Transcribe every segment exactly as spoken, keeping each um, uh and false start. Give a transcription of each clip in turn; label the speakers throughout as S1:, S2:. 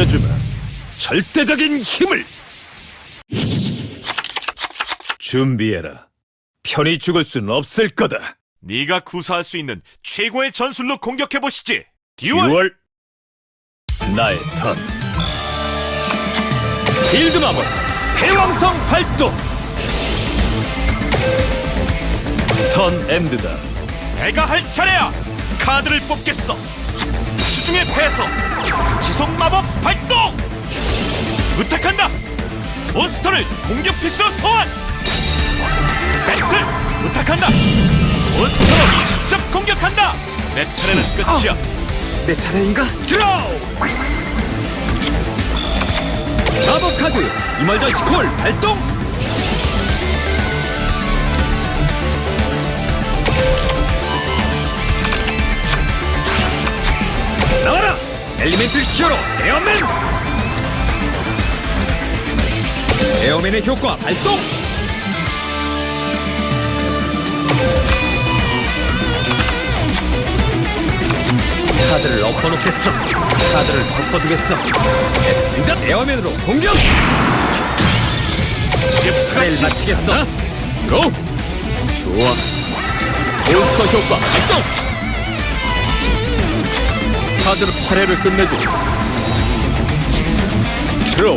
S1: 보여주마. 절대적인 힘을. 준비해라. 편히 죽을 순 없을 거다.
S2: 네가 구사할 수 있는 최고의 전술로 공격해보시지. 듀얼!
S1: 듀얼. 나의 턴. 필드 마법 해왕성 발동. 턴 엔드다.
S2: 내가 할 차례야. 카드를 뽑겠어. 수중의 패서 지속 마법 발동. 부탁한다. 몬스터를 공격 피시로 소환. 배틀 부탁한다. 몬스터로 직접 공격한다. 내 차례는 끝이야.
S3: 내 차례인가?
S1: 드로우.
S3: 마법 카드 이멀전시 콜 발동! 나와라! 엘리멘틀 히어로 에어맨! 에어맨의 효과 발동! 카드를 엎어놓겠어. 카드를 덮어두겠어. 엔드 에어맨으로 공격! 차례를 마치겠어.
S1: 고! 좋아. 몬스터 효과 발동! 카드로 차례를 끝내지. 드로우.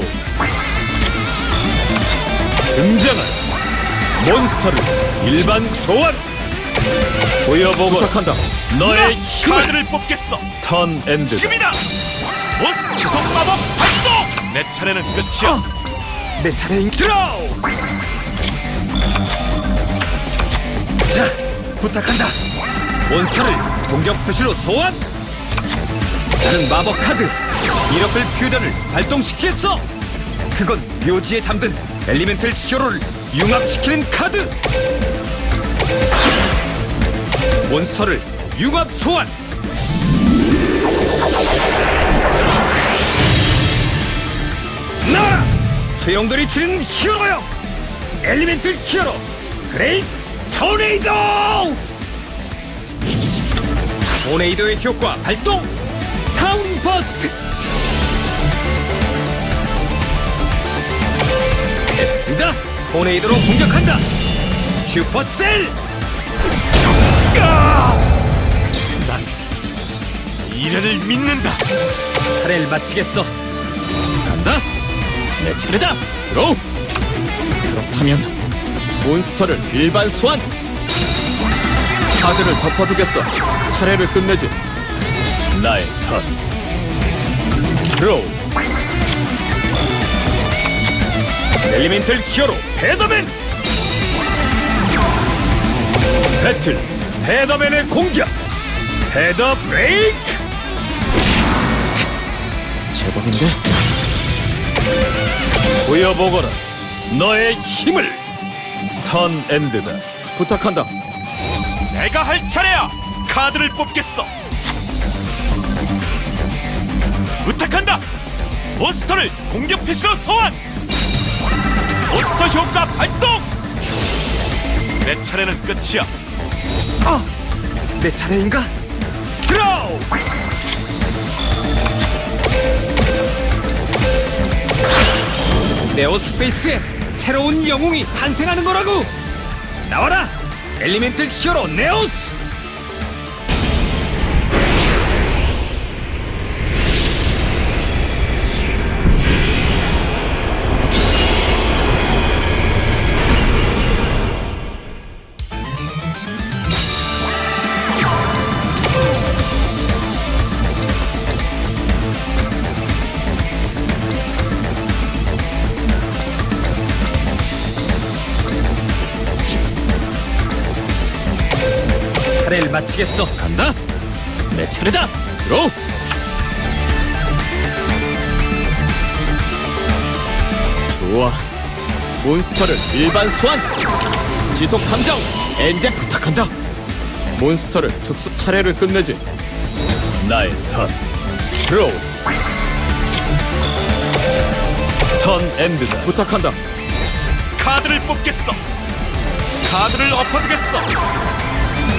S1: 등장한 몬스터를 일반 소환. 보여보거라.
S3: 부탁한다.
S1: 너의 힘을.
S2: 카드를 뽑겠어.
S1: 턴 엔드.
S2: 지금이다. 몬스터 지속 마법 발동. 내 차례는 끝이야.
S3: 내 차례인
S1: 드로우.
S3: 자, 부탁한다. 몬스터를 공격 표시로 소환. 나는 마법 카드 미러클 퓨전을 발동시키겠어. 그건 묘지에 잠든 엘리멘틀 히어로를 융합시키는 카드. 몬스터를 융합 소환. 나와라! 소용돌이 치는 히어로요. 엘리멘틀 히어로 그레이트 토네이도. 토네이도의 효과 발동. 타운 버스트. 나 토네이도로 공격한다. 슈퍼셀.
S2: 난 미래를 믿는다.
S3: 차례를 마치겠어.
S1: 간다. 내 차례다. 드로우. 그렇다면 몬스터를 일반 소환. 카드를 덮어두겠어. 차례를 끝내지. 나의 턴. 드로우. 엘리멘틀 히어로 헤더맨. 배틀 헤더맨의 공격. 헤더 브레이크. 제법인데? 보여보거라. 너의 힘을. 턴 엔드다. 부탁한다.
S2: 내가 할 차례야. 카드를 뽑겠어. 부탁한다. 몬스터를 공격 피시로 소환. 몬스터 효과 발동. 내 차례는 끝이야.
S3: 아, 내 차례인가?
S1: 드로우.
S3: 네오스페이스에 새로운 영웅이 탄생하는 거라고. 나와라! 엘리멘틀 히어로 네오스! 차례를 마치겠어.
S1: 간다. 내 차례다. 드로우. 좋아. 몬스터를 일반 소환. 지속 탐정 엔젤 부탁한다. 몬스터를 특수 차례를 끝내지. 나의 턴. 드로우. 턴 엔드다. 부탁한다.
S2: 카드를 뽑겠어. 카드를 엎어두겠어.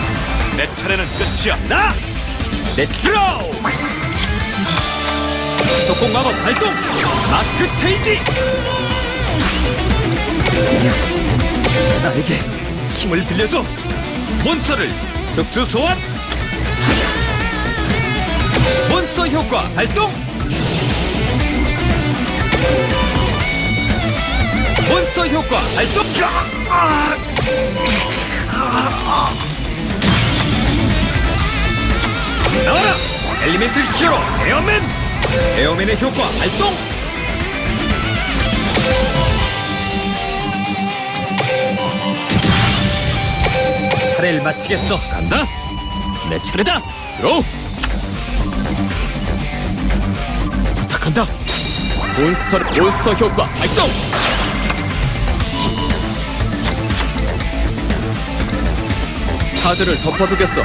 S2: 내 차례는 끝이야.
S3: 나! 내 드로우! 속공 마법 발동. 마스크 체인지. 나에게 힘을 빌려줘. 몬스터를 특수 소환. 몬스터 효과 발동. 몬스터 효과 발동. 아! 나와라! 엘리멘틀 히어로 에어맨! 에어맨의 효과 발동! 차례를 마치겠어.
S1: 간다. 내 차례다. 들어. 부탁한다. 몬스터 몬스터 효과 발동. 카드를 덮어두겠어.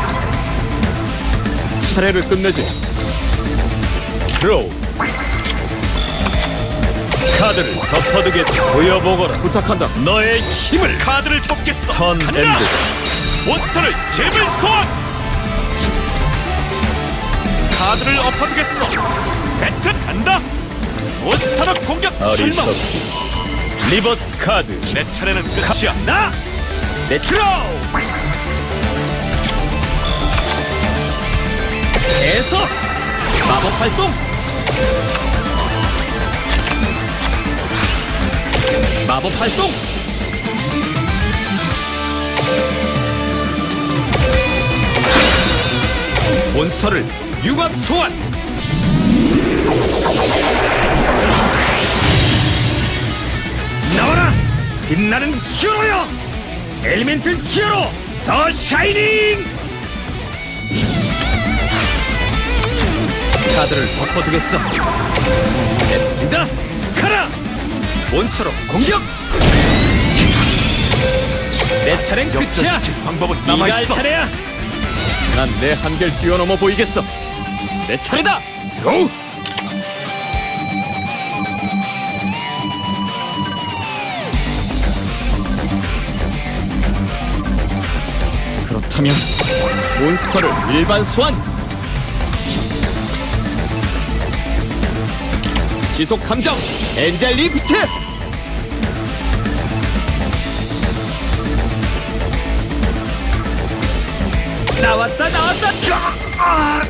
S1: 차례를 끝내지.
S2: 드로우. 카드를 덮어두겠다. 보여보거라.
S1: 부탁한다.
S2: 너의 힘을. 카드를 뽑겠어.
S1: 턴
S2: 간다.
S1: 엔드.
S2: 몬스터를 제물 소환. 카드를 엎어두겠어. 배트 간다. 몬스터로 공격. 설마. 리버스 카드. 내 차례는 끝이야.
S3: 나! 내 드로우! 에서 마법 발동! 마법 발동! 몬스터를 융합 소환! 나와라! 빛나는 히어로여! 엘리멘틀 히어로! 더 샤이닝! 카드를 덮어두겠어. 냅니다! 가라! 몬스터로 공격! 내 차례는 끝이야!
S2: 역전시킬 방법은
S3: 네가 할
S2: 남아있어.
S3: 차례야!
S1: 난 내 한계를 뛰어넘어 보이겠어. 내 차례다. 들어. 그렇다면 몬스터를 일반 소환. 지속 감정 엔젤 리프트.
S3: 나왔다 나왔다! 아!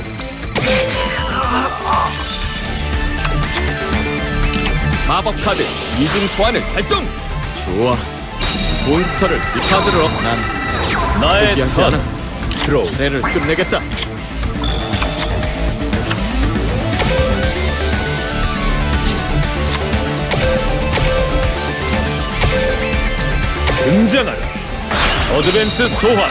S1: 마법 카드 이중 소환을 발동. 좋아. 몬스터를 이 카드로 얻어. 난
S2: 나의
S1: 포기하지
S2: 턴.
S1: 않아.
S2: 드로우.
S1: 차례를 끝내겠다.
S2: 등장하라. 어드밴스 소환.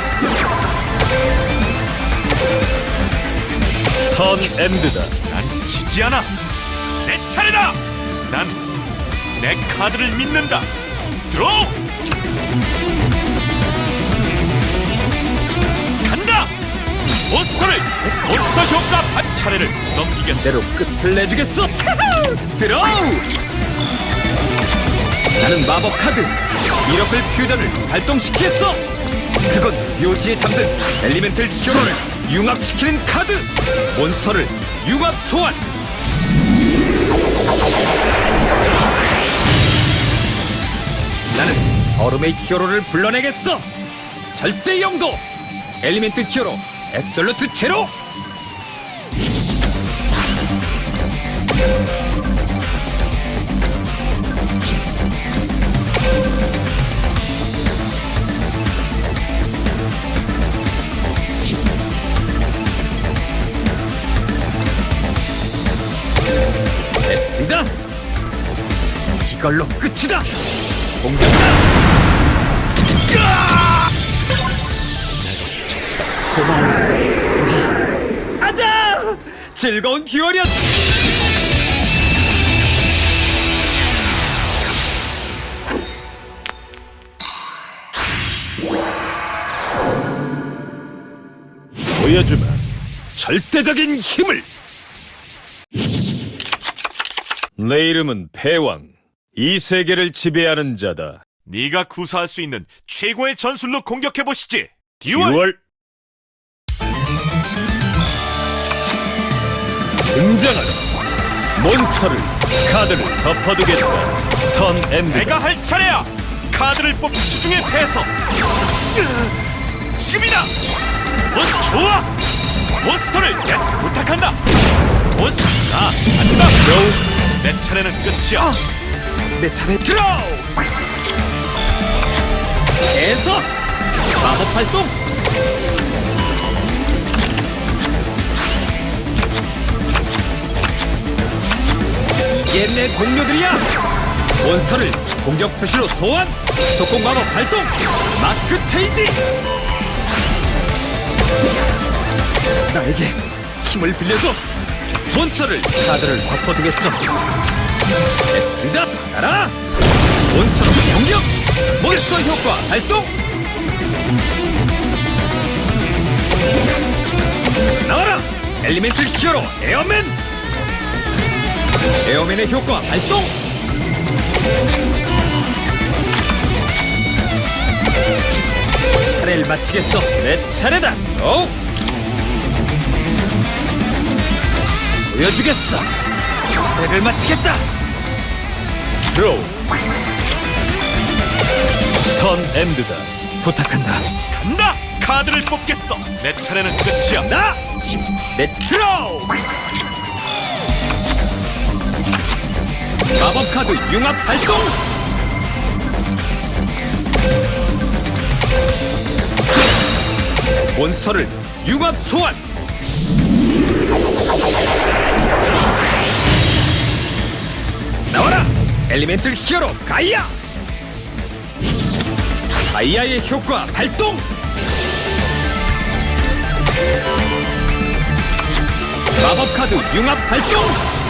S2: 턴 엔드다. 난 지지 않아. 내 차례다. 난 내 카드를 믿는다. 드로우. 간다. 몬스터를 몬스터 효과 반 차례를 넘기겠어.
S3: 대로 끝을 내주겠어! 드로우! 나는 마법 카드 미러클 퓨전을 발동시키겠어! 그건 묘지에 잠든 엘리멘틀 히어로를 융합시키는 카드! 몬스터를 융합 소환! 나는 얼음의 히어로를 불러내겠어! 절대 영도! 엘리멘트 히어로 앱솔루트 제로! 냅니다! 이걸로 끝이다! 공격다! 고마워. 아자! 즐거운 듀얼이었!
S2: 보여주마. 절대적인 힘을. 내 이름은 패왕. 이 세계를 지배하는 자다. 네가 구사할 수 있는 최고의 전술로 공격해 보시지. 듀얼. 듀얼. 등장하라. 몬스터를 카드를 덮어두겠다. 턴 엔드. 내가 할 차례야. 카드를 뽑기 수중에 패서. 지금이다. 몬스터 좋아. 몬스터를 내 부탁한다. 몬스터 나 간다. 고. 내 차례는 끝이야.
S3: 내 차례 드로우. 계속 마법 활동. 이게 내 동료들이야. 몬스터를 공격 표시로 소환. 속공 마법 발동. 마스크 체인지. 나에게 힘을 빌려줘. 몬스터를 카드를 덮어두겠어. 응답 받아라. 몬스터로 공격. 몬스터 효과 발동. 나와라. 엘리멘틀 히어로 에어맨. 에어맨의 효과 발동. 차례를 마치겠어. 내 차례다. 오. 보여주겠어. 차례를 마치겠다.
S2: 드로우. 턴 엔드다.
S3: 부탁한다.
S2: 간다. 카드를 뽑겠어. 내 차례는 끝이야.
S3: 나. 내 드로우. 마법 카드 융합 발동. 몬스터를 융합 소환. 나와라. 엘리멘틀 히어로 가이아. 가이아의 효과 발동. 마법 카드 융합 발동.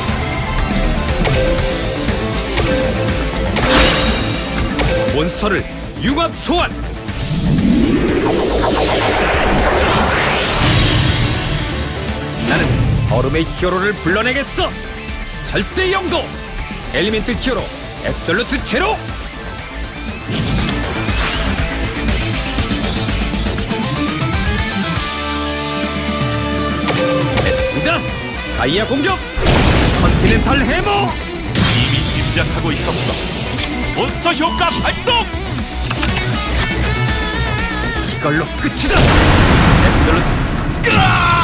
S3: 몬스터를 융합 소환. 나는 얼음의 히어로를 불러내겠어. 절대 영도. 엘리멘트 히어로 앱솔루트 제로. 다 가이아 공격. 컨티넨탈 해머.
S2: 이미 짐작하고 있었어. 몬스터 효과 발동.
S3: 이걸로 끝이다. 앱솔루트.
S2: 으아!